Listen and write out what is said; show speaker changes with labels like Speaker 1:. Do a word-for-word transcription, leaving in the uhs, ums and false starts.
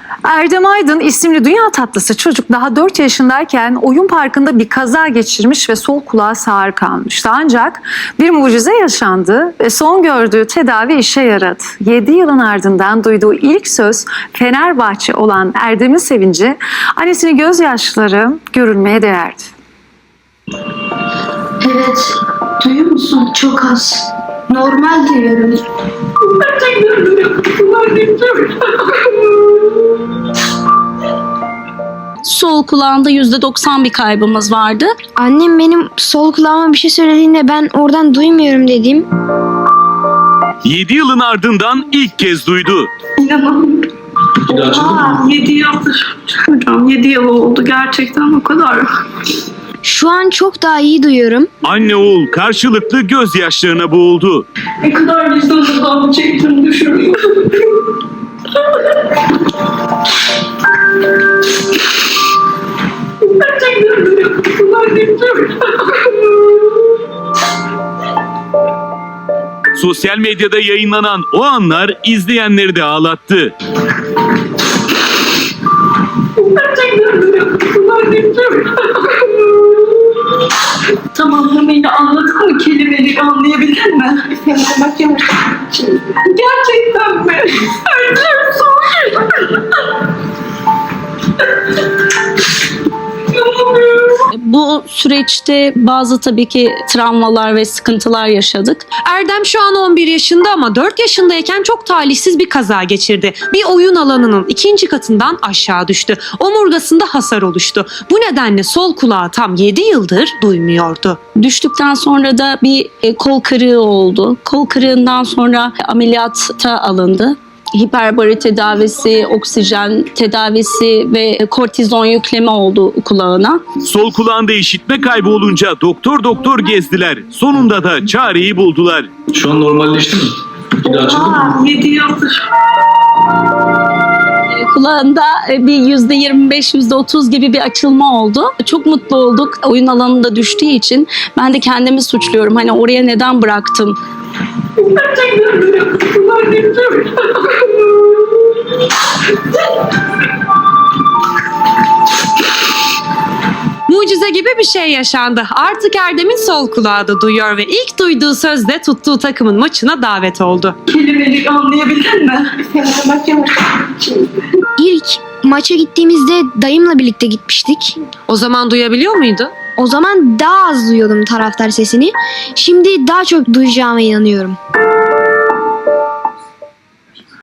Speaker 1: Erdem Aydın isimli dünya tatlısı çocuk daha dört yaşındayken oyun parkında bir kaza geçirmiş ve sol kulağı sağır kalmıştı. Ancak bir mucize yaşandı ve son gördüğü tedavi işe yaradı. yedi yılın ardından duyduğu ilk söz Fenerbahçe olan Erdem'in sevinci, annesinin gözyaşları görülmeye değerdi.
Speaker 2: Evet, duyuyor musun? Çok az. Normal duyuyorum. Gerçekten duyuyorum.
Speaker 3: Sol kulağında yüzde doksan bir kaybımız vardı.
Speaker 4: Annem benim sol kulağıma bir şey söylediğinde ben oradan duymuyorum dedim.
Speaker 5: yedi yılın ardından ilk kez duydu.
Speaker 2: İnanamıyorum. Aa, yedi yıldır. Hocam yedi yıl oldu gerçekten o kadar.
Speaker 4: Şu an çok daha iyi duyuyorum.
Speaker 5: Anne oğul karşılıklı gözyaşlarına boğuldu.
Speaker 2: Ne kadar vicdanından çektim düşünüyorum. Gerçekten duyuyorum.
Speaker 5: Sosyal medyada yayınlanan o anlar izleyenleri de ağlattı.
Speaker 2: Gerçekten duyuyorum. Tamamlamayla anladın mı? Kelimeleri anlayabildin mi? Gerçekten mi? Öldüm sonra.
Speaker 3: Bu süreçte bazı tabii ki travmalar ve sıkıntılar yaşadık.
Speaker 6: Erdem şu an on bir yaşında ama dört yaşındayken çok talihsiz bir kaza geçirdi. Bir oyun alanının ikinci katından aşağı düştü. Omurgasında hasar oluştu. Bu nedenle sol kulağı tam yedi yıldır duymuyordu.
Speaker 3: Düştükten sonra da bir e, kol kırığı oldu. Kol kırığından sonra ameliyata alındı. Hiperbari tedavisi, oksijen tedavisi ve kortizon yükleme oldu kulağına.
Speaker 5: Sol kulağında işitme kaybı olunca doktor doktor gezdiler. Sonunda da çareyi buldular.
Speaker 7: Şu an normalleşti mi? Bir daha açıldı mı?
Speaker 2: Aa, yedi yıldır.
Speaker 3: Kulağında bir yüzde yirmi beş, yüzde otuz gibi bir açılma oldu. Çok mutlu olduk. Oyun alanında düştüğü için ben de kendimi suçluyorum. Hani oraya neden bıraktım?
Speaker 2: Gerçekten duyuyorum.
Speaker 6: Mucize gibi bir şey yaşandı. Artık Erdem'in sol kulağı da duyuyor ve ilk duyduğu sözde tuttuğu takımın maçına davet oldu.
Speaker 2: Kelimeleri anlayabildin mi?
Speaker 4: İlk maça gittiğimizde dayımla birlikte gitmiştik.
Speaker 6: O zaman duyabiliyor muydu?
Speaker 4: O zaman daha az duyuyordum taraftar sesini. Şimdi daha çok duyacağıma inanıyorum.